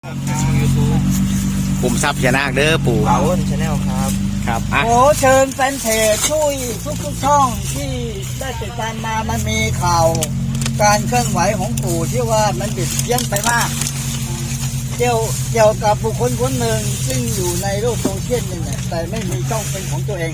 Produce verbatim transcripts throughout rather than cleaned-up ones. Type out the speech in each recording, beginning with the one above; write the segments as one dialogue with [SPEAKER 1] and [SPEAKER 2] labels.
[SPEAKER 1] ปุ่มซับพญานาคเด้อปู่
[SPEAKER 2] เป๋าชาแนลครับ
[SPEAKER 1] ครับอ่ะ
[SPEAKER 3] โอ้เชิญแฟนเพจช่วยทุกทุกๆช่องที่ได้ติดตามมามันมีข่าว การเคลื่อนไหวของปู่ที่ว่ามันบิดเบี้ยนไปมาก เกี่ยวเกี่ยวกับบุคคลคนหนึ่งซึ่งอยู่ในโลกโซเชียลนี่แหละแต่ไม่มีช่องเป็นของตัวเอง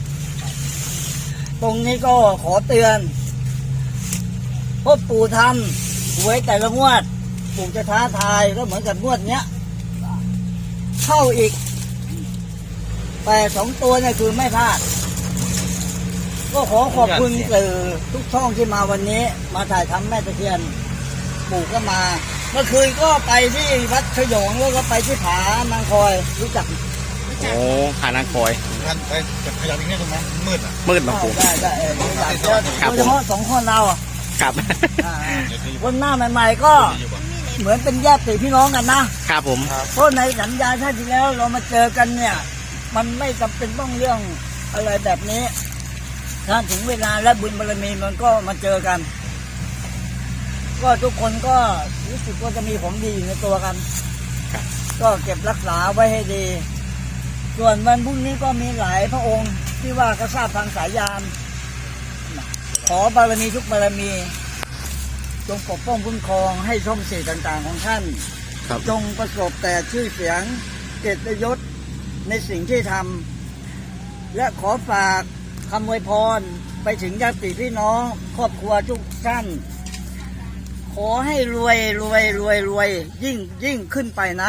[SPEAKER 3] ตรงนี้ก็ขอเตือนเพราะปู่ทำหวยแต่ละงวด ปู่จะท้าทายก็เหมือนกับงวดเนี้ย เข้าอีกแต่สองตัวเนี่ยคือไม่พลาด ก็ขอขอบคุณสื่อทุกช่องที่มาวันนี้ มาถ่ายทำแม่ตะเคียนปู่ก็มา เมื่อคืนก็ไปที่วัดขยงแล้วก็ไปที่ผานางคอยรู้จัก
[SPEAKER 1] โอ้ขานางคอย
[SPEAKER 2] ท่านไปจะขยับอีกนิดนึงไหมมืดอ่ะ
[SPEAKER 1] มืดมาปู่
[SPEAKER 3] ได้ได้เออรู้จักโดยเฉพาะสองคนเราอ่ะ
[SPEAKER 1] ครับ
[SPEAKER 3] อ่าคนหน้าใหม่ๆก็เหมือนเป็นญาติพี่น้องกันนะ
[SPEAKER 1] ครับผม
[SPEAKER 3] เพราะในสัญญาชาติที่แล้วเรามาเจอกันเนี่ย มันไม่จำเป็นต้องเรื่องอะไรแบบนี้ ถ้าถึงเวลาและบุญบารมีมันก็มาเจอกัน ก็ทุกคนก็รู้สึกว่าจะมีของดีอยู่ในตัวกัน
[SPEAKER 1] ครับ
[SPEAKER 3] ก็เก็บรักษาไว้ให้ดี ส่วนวันพรุ่งนี้ก็มีหลายพระองค์ที่ว่าก็ทราบทางสายยาน ขอบารมีทุกบารมี จงปกป้องคุ้มครองให้ช่องเสียต่างๆของท่าน
[SPEAKER 1] ครับ
[SPEAKER 3] จงประสบแต่ชื่อเสียงเกียรติยศในสิ่งที่ทำและขอฝากคำอวยพรไปถึงญาติพี่น้องครอบครัวทุกท่าน ขอให้รวยรวยรวยรวยยิ่งยิ่งขึ้นไปนะ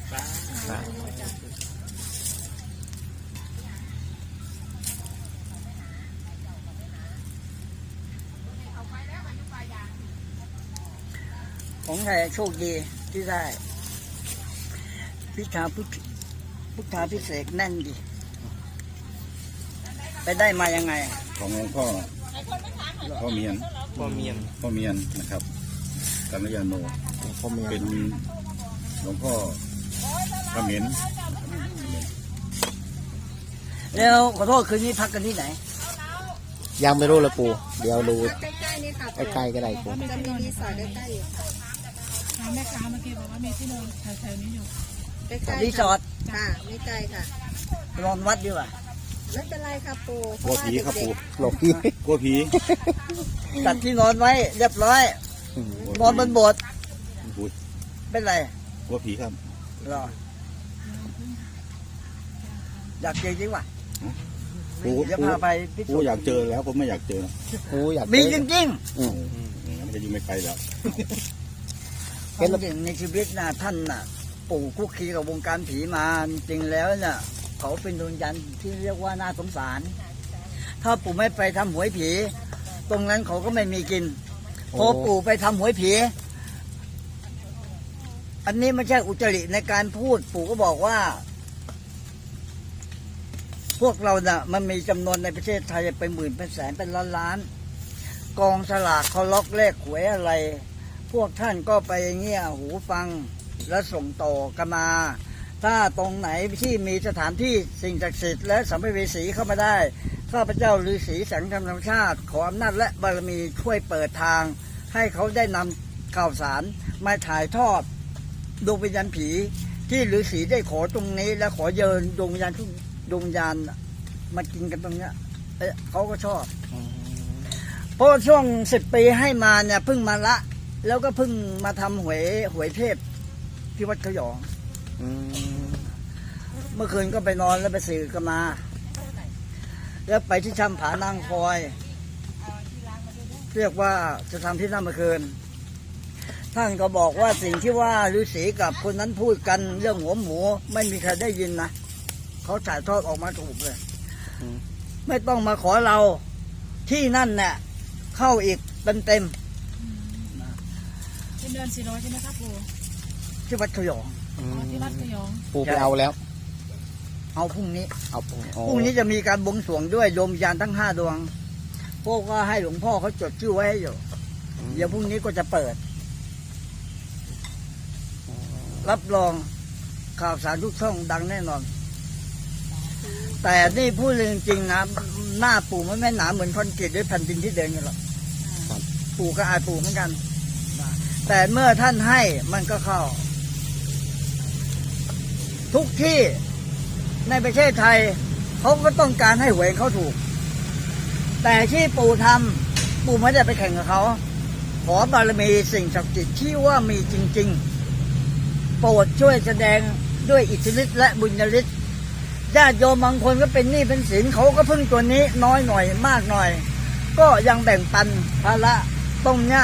[SPEAKER 3] ของไทยโชคดีที่ได้ พิธาพุทธพุทธาพิเศษกแน่นดี ไปได้มายังไง
[SPEAKER 4] ของหลวงพ่อพ่อเมียน
[SPEAKER 2] พ่อเมียน
[SPEAKER 4] พ่อเมียนนะครับกัลยาโน
[SPEAKER 1] พ่อเมีย
[SPEAKER 4] เป็นหลวงพ่อเขมร
[SPEAKER 3] แล้วขอโทษคืนนี้พักกันที่ไหน
[SPEAKER 1] ยังไม่รู้เลยปู่เดี๋ยวดู
[SPEAKER 5] ใกล้ๆนี่ค่ะ
[SPEAKER 1] ใกล้ๆก็ได้ปู่
[SPEAKER 5] จะมีรีสอร์ทใกล้ๆอยู่ค่ะ
[SPEAKER 6] ถามแม่ค้าเมื่อกี้บอกว่ามีที่นอนแถวๆนี้อยู่
[SPEAKER 5] ใกล้ๆ
[SPEAKER 3] รีสอร์ท
[SPEAKER 5] ค่ะไม่ไกลค่ะ
[SPEAKER 3] นอนวัดดีกว่า
[SPEAKER 5] ไม่เป็นไรค่ะปูเพ
[SPEAKER 4] กลัว
[SPEAKER 5] ราะว่า
[SPEAKER 4] ผีครับ
[SPEAKER 5] เด็
[SPEAKER 4] ปู่
[SPEAKER 5] ก
[SPEAKER 1] หลบพี่
[SPEAKER 4] กลัวผี
[SPEAKER 3] จัดที่นอนไว้เรียบร้อย นอนบนโบสถ์
[SPEAKER 4] ปู่
[SPEAKER 3] เป็นไร
[SPEAKER 4] กลัวผีครับ
[SPEAKER 3] รออยากเจอจริงว่ะ
[SPEAKER 4] ปู่
[SPEAKER 3] เดี๋ยว
[SPEAKER 4] ปู่
[SPEAKER 3] พาไปพิสู
[SPEAKER 4] ปู่
[SPEAKER 3] จน์
[SPEAKER 4] อยากเจอแล้วผมไม่อยากเจอ
[SPEAKER 1] ปู่อยาก
[SPEAKER 3] มี
[SPEAKER 1] เจ
[SPEAKER 3] จ
[SPEAKER 1] อ
[SPEAKER 3] ริง
[SPEAKER 1] อืม
[SPEAKER 4] งั้นก็อยู่ไม่ไกลแล้ว
[SPEAKER 3] ๆเป็นจริงในชีวิตนะท่านน่ะ ปู่คุกคีกับวงการผีมาจริงๆแล้วเนี่ยเขาเป็นดวงจันทร์ที่เรียกว่าน่าสงสาร ถ้าปู่ไม่ไปทำหวยผี ตรงนั้นเขาก็ไม่มีกิน พอปู่ไปทำหวยผี อันนี้ไม่ใช่อุจริในการพูด ปู่ก็บอกว่า พวกเราน่ะ มันมีจำนวนในประเทศไทยเป็นหมื่นเป็นแสนเป็นล้านล้านกองสลากเขาล็อกเลขหวยอะไร พวกท่านก็ไปเงี้ยหูฟังและส่งต่อกันมา ถ้าตรงไหนที่มีสถานที่สิ่งศักดิ์สิทธิ์และสัมภเวสีเข้ามาได้ข้าพเจ้าฤาษีแสงธรรมชาติ ขออำนาจและบารมีช่วยเปิดทาง ให้เขาได้นำข่าวสารมาถ่ายทอดดวงวิญญาณผี ที่ฤาษีได้ขอตรงนี้ และขอเยินดวงวิญญาณทุกดวงวิญญาณมากินกันตรงเนี้ยเอ๊ะเขาก็ชอบ เพราะช่วงสิบปีให้มาเนี่ยเพิ่งมาละ แล้วก็เพิ่งมาทำหวยหวยเทพที่วัดขยอง
[SPEAKER 1] อืม
[SPEAKER 3] เมื่อคืนก็ไปนอนแล้วไปสื่อกันมา แล้วไปที่ช่ำผานางคอย เรียกว่าจะทำที่นั่นเมื่อคืน ท่านก็บอกว่าสิ่งที่ว่าฤาษีกับคนนั้นพูดกันเรื่องหัวหมูไม่มีใครได้ยินนะเขาถ่ายทอดออกมาถูกเลย ไม่ต้องมาขอเราที่นั่นเนี่ยเข้าอีกเต็มเต็ม
[SPEAKER 6] เป็นเดือนสี่ร้อยใช่ไหมครับปู่
[SPEAKER 3] ๆที่วัดขยอง
[SPEAKER 1] อื
[SPEAKER 6] อ๋อ
[SPEAKER 1] ม
[SPEAKER 6] ที่วัดขยอง
[SPEAKER 1] ปู่ไปเอาแล้ว
[SPEAKER 3] เอาพรุ่งนี้
[SPEAKER 1] เอาปู่
[SPEAKER 3] พรุ่งนี้จะมีการบวงสรวงด้วยโยมยานทั้งห้าดวง พวกก็ให้หลวงพ่อเขาจดชื่อไว้ให้อยู่ เดี๋ยวพรุ่งนี้ก็จะเปิด รับรองข่าวสารทุกช่องดังแน่นอน แต่นี่พูดจริงๆนะหน้าปู่มันไม่หนาเหมือนคอนกรีตด้วยแผ่นดินที่เดินกันหรอกปู่ก็อายปู่เหมือนกัน แต่เมื่อท่านให้มันก็เข้าทุกที่ในประเทศไทยเขาก็ต้องการให้หวยเขาถูก แต่ที่ปู่ทำปู่ไม่ได้ไปแข่งกับเขาขอบารมีสิ่งศักดิ์สิทธิ์ที่ว่ามีจริงๆโปรดช่วยแสดงด้วยอิทธิฤทธิ์และบุญญาฤทธิ์ญาติโยมบางคนก็เป็นหนี้เป็นสินเขาก็พึ่งตัวนี้น้อยหน่อยมากหน่อยก็ยังแบ่งปันภาระตรงเนี้ย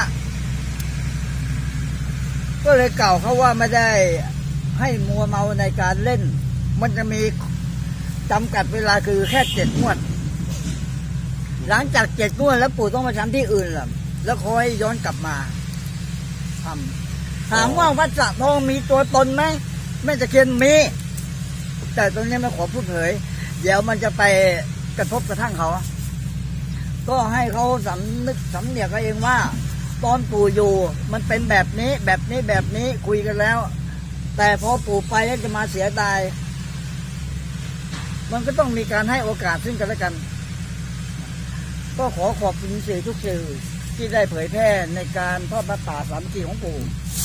[SPEAKER 3] ก็เลยกล่าวเขาว่าไม่ได้ให้มัวเมาในการเล่นมันจะมีจำกัดเวลาคือแค่เจ็ดงวดหลังจากเจ็ดงวดแล้วปู่ต้องมาทำที่อื่นล่ะแล้วคอยย้อนกลับมาทำถามว่าวัดสระทองมีตัวตนไหมแม่ตะเคียนมีแต่ตรงนี้ไม่ขอพูดเผยเดี๋ยวมันจะไปกระทบกระทั่งเขาก็ให้เขาสำนึกสำเนียกเขาเองว่าตอนปู่อยู่มันเป็นแบบนี้แบบนี้แบบนี้คุยกันแล้วแต่พอปู่ไปแล้วจะมาเสียดายมันก็ต้องมีการให้โอกาสซึ่งกันและกันก็ขอขอบคุณสื่อทุกสื่อที่ได้เผยแพร่ในการทอดพระป่าสามัคคีของปู่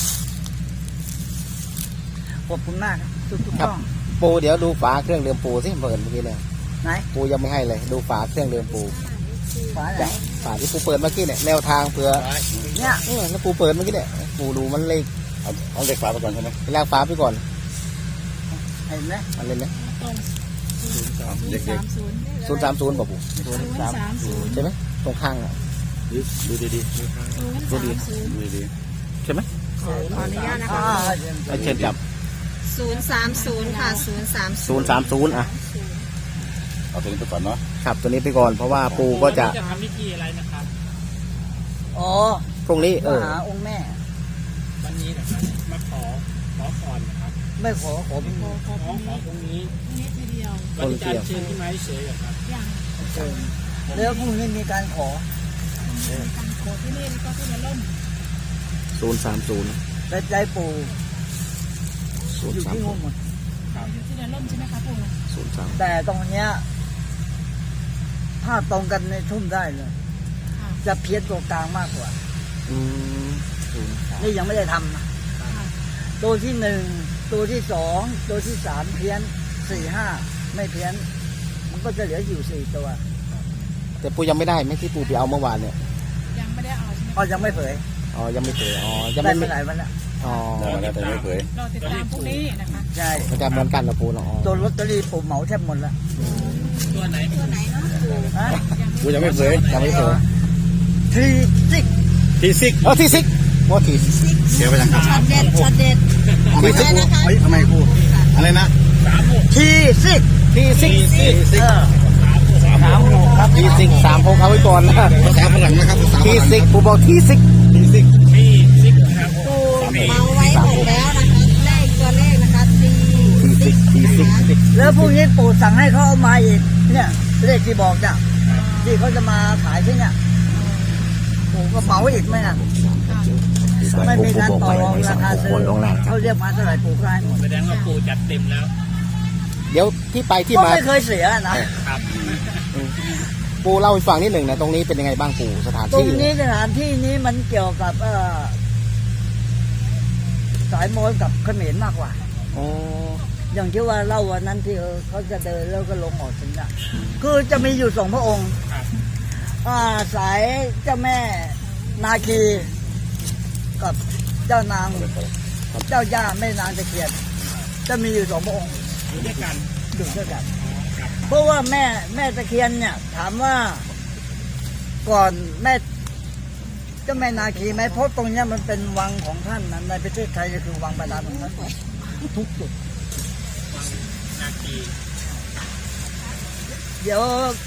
[SPEAKER 3] ขอบคุณมากทุกทุก
[SPEAKER 1] ครับ
[SPEAKER 3] ช่อง
[SPEAKER 1] ปูเดี๋ยวดูฝาเครื่องดื่มปูสิเปิดเมื่อกี้เลย
[SPEAKER 3] ไหน
[SPEAKER 1] ปูยังไม่ให้เลย ดูฝาเครื่องดื่มปู
[SPEAKER 3] ฝาไหน
[SPEAKER 1] ฝาที่ปูเปิดเมื่อกี้เนี่ยแนวทางเผื่อ
[SPEAKER 3] เนี่ย
[SPEAKER 1] เออแล้วปูเปิดเมื่อกี้เนี่ยปูดูมันเลข
[SPEAKER 4] เอาเอาเด็กฝาไปก่อนใช่ไหม
[SPEAKER 1] แรกฝาไปก่อน
[SPEAKER 3] เห็นไหม
[SPEAKER 1] มันเล่นนะ
[SPEAKER 6] ตรง
[SPEAKER 4] เอา
[SPEAKER 6] ศูน
[SPEAKER 4] เด็
[SPEAKER 6] ย์
[SPEAKER 4] ก
[SPEAKER 6] สามศูนย์
[SPEAKER 1] ศูนย์สามศูนย์ป่ะปู
[SPEAKER 6] ศูนย์สามศูนย์
[SPEAKER 1] ใช่ไหมตรงข้างอ่ะ
[SPEAKER 4] ๆดูดีดี
[SPEAKER 6] ศูนย์สามศูนย์
[SPEAKER 4] ๆดูดี
[SPEAKER 1] ใช่ไหม
[SPEAKER 5] ขออนุญาตนะ
[SPEAKER 3] อ่า
[SPEAKER 5] คะ
[SPEAKER 1] เอาเชิญจับ
[SPEAKER 5] ศูนย์สามศูนย์ค่ะศูนย์สาม
[SPEAKER 1] ศูนย์สามศูนย์อ่ะ
[SPEAKER 4] ๆเอาตัวนี้ไปก่อนเนาะ
[SPEAKER 1] ครับตัวนี้ไปก่อนเพราะว่าปูก็จะ
[SPEAKER 6] จะทำพิธีอะไรนะครับ
[SPEAKER 3] อ๋อ
[SPEAKER 1] พรุ่งนี้เอ
[SPEAKER 3] มา
[SPEAKER 1] อ
[SPEAKER 3] หาองค์แม่
[SPEAKER 6] วันนี้นะครับมาขอขอพรนะครับ
[SPEAKER 3] ไม่ขอขอเป็น
[SPEAKER 6] ขอขอขอตรงนี้ตรงนี้ทีเดียววันนี้จะเชิญที่ไม้เฉยๆครับยัง
[SPEAKER 3] เชิญแล้วพรุ่งนี้มีการขอ
[SPEAKER 6] การขอที่นี่แล้วก็ที่จะล่ม
[SPEAKER 1] ศูนย์สามศูนย์
[SPEAKER 3] แต่ใจปู่
[SPEAKER 1] ศูน
[SPEAKER 3] อ
[SPEAKER 1] ย์
[SPEAKER 3] ยู่
[SPEAKER 1] สาม
[SPEAKER 3] ที่
[SPEAKER 1] ศู
[SPEAKER 3] งู
[SPEAKER 1] นย์
[SPEAKER 3] หมด
[SPEAKER 6] อยู่ที่จะล่มใช่ไหมครับปู่
[SPEAKER 1] ศูนย์สาม
[SPEAKER 3] แต่ตรงเนี้ยถ้าตรงกันในทุ่มได้เลย
[SPEAKER 6] ค่ะ
[SPEAKER 3] จะเพี้ยนตัวกลางมากกว่า
[SPEAKER 1] อืมศูนย์สาม
[SPEAKER 3] นี่ยังไม่ได้ทำนะตัวที่หนึ่งตัวที่สองตัวที่สามเพี้ยนสี่ห้าไม่เพี้ยน มันก็จะเหลืออยู่สี่ตัว
[SPEAKER 1] แต่ปูยังไม่ได้ไหมที่ปูไปเอาเมื่อวานเนี่ย
[SPEAKER 6] ยังไม่ได้เอาใช่ไหม
[SPEAKER 3] ก็ยังไม่เผย
[SPEAKER 1] อ๋อยังไม่เจออ๋อยัง
[SPEAKER 3] ได้
[SPEAKER 1] ไม่
[SPEAKER 3] ไปหลายวันแล้ว
[SPEAKER 1] อ๋อ
[SPEAKER 4] ได้มาแล้วแต่ไม่เผย
[SPEAKER 6] รอติดตามพรุ่งนี้นะคะ
[SPEAKER 3] ใช่
[SPEAKER 1] มันจะเหมือนกันเหรอปูเนาะอ๋อ
[SPEAKER 3] ตัวลอตเตอรี่ปู่เหมาแทบหมดแล้ว
[SPEAKER 6] ตัวไหน
[SPEAKER 5] ตัวไหนเนาะ
[SPEAKER 3] ฮะ
[SPEAKER 4] กูยังไม่เผย
[SPEAKER 1] ยังไม่เจอ
[SPEAKER 3] ทีซิก
[SPEAKER 4] ทีซิก
[SPEAKER 1] เออที่ซิกว่าที่ซิก
[SPEAKER 4] เดี๋ยวไปทางการ
[SPEAKER 5] ช็อตเด็ดช็อตเด็ด
[SPEAKER 4] ทำไมซิกเฮ้ยทำไมกูอะไรนะ
[SPEAKER 3] ทีซิก
[SPEAKER 1] ที่ซิก
[SPEAKER 4] ทีซิก
[SPEAKER 3] เออ
[SPEAKER 1] สามหกครับที่ซิกสามหกเอาไว้ก่อนนะ
[SPEAKER 4] ภาษาฝรั่งนะครับภาษาฝ
[SPEAKER 1] ที่
[SPEAKER 4] รั่ง
[SPEAKER 1] ซิกปูบอกที่ซิก
[SPEAKER 4] ทีซิก
[SPEAKER 6] ที่ซิกครับ
[SPEAKER 5] ปูเมาไว้หมดแล้วนะคะเลขตัวเลขนะคะสี่
[SPEAKER 1] ที่ซิกที่ซิก
[SPEAKER 3] แล้วพรุ่งนี้ปู่สั่งให้เขาเอามาอีกเนี่ยเลขที่บอกเนี่ยที่เขาจะมาขายที่เนี่ยปู่ก็เหมาอีกไหมน่ะไม่มีการต่อรองราคาซื้อเขาเรียกมาเท่าไหร่ปู่ก็ให้หมด
[SPEAKER 6] แสดงว่าปู่จัดเต็มแล้ว
[SPEAKER 1] เดี๋ยวที่ไปที่
[SPEAKER 3] ก็
[SPEAKER 1] มา
[SPEAKER 3] ไม่เคยเสียนะ
[SPEAKER 6] ครับ
[SPEAKER 1] ปูเล่าให้ฟังนิดหนึ่งนะตรงนี้เป็นยังไงบ้างปูสถาน
[SPEAKER 3] ตรง
[SPEAKER 1] ที่
[SPEAKER 3] นี้สถานที่นี้มันเกี่ยวกับเอ่อสายมอญกับเขมรมากกว่า
[SPEAKER 1] โอ้
[SPEAKER 3] อย่างที่ว่าเล่าวันนั้นที่เออเขาจะเดินแล้วก็ลงออกถึงน่ะคือจะมีอยู่สองพระองค์
[SPEAKER 6] ครับ
[SPEAKER 3] อ่าสายเจ้าแม่นาคี กับเจ้านางเจ้าย่าแม่นางตะเคียนจะมีอยู่สองพระองค์
[SPEAKER 6] อยู่ด้วยกัน
[SPEAKER 3] อยู่ด้วยกันเพราะว่าแม่แม่ตะเคียนเนี่ย ถามว่าก่อนแม่เจ้าแม่นาคีไหมเพราะตรงเนี้ยมันเป็นวังของท่านนะในประเทศไทยก็คือวังบาดาลของท่านทุกจุด
[SPEAKER 6] นาคี
[SPEAKER 3] เดี๋ยว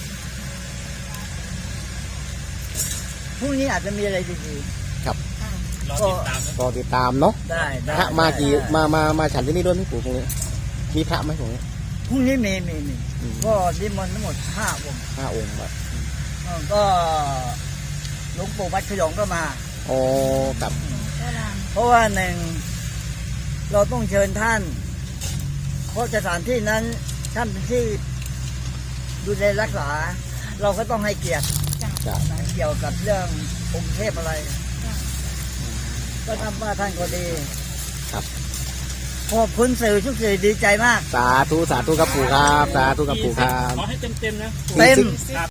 [SPEAKER 3] พรุ่งนี้อาจจะมีอะไรดี
[SPEAKER 6] รอติดตามนะ
[SPEAKER 1] รอติดตามเนาะ
[SPEAKER 3] ๆได้ได้
[SPEAKER 1] พระมากี่
[SPEAKER 3] ได้
[SPEAKER 1] มามามาฉันที่นี่ด้วยไหมปู่ตรงนี้มีพระไหมตรงนี้
[SPEAKER 3] พรุ่งนี้มีมีมี
[SPEAKER 1] อืม
[SPEAKER 3] ก็นิมนต์ทั้งหมดห้าองค์
[SPEAKER 1] ห้าองค์แบบ
[SPEAKER 3] เออก็หลวงปู่วัดขยองก็มา
[SPEAKER 1] โอ้กับ
[SPEAKER 6] ก็ลาม
[SPEAKER 3] เพราะว่าหนึ่งเราต้องเชิญท่าน เพราะสถานที่นั้นท่านเป็นที่ดูแลรักษา เราก็ต้องให้เกียรติ
[SPEAKER 1] จะ
[SPEAKER 3] นะเกี่ยวกับเรื่ององค์เทพอะไร ก็ทำว่าท่านก็ดี
[SPEAKER 1] ครับ
[SPEAKER 3] ขอบคุณสื่อทุกสื่อดีใจมาก
[SPEAKER 1] สาธุสาธุครับปู่ครับสาธุครับปู่ครับ
[SPEAKER 6] ขอให้เต็มๆนะ
[SPEAKER 3] เต็ม
[SPEAKER 1] ซึ่ง
[SPEAKER 6] ครับ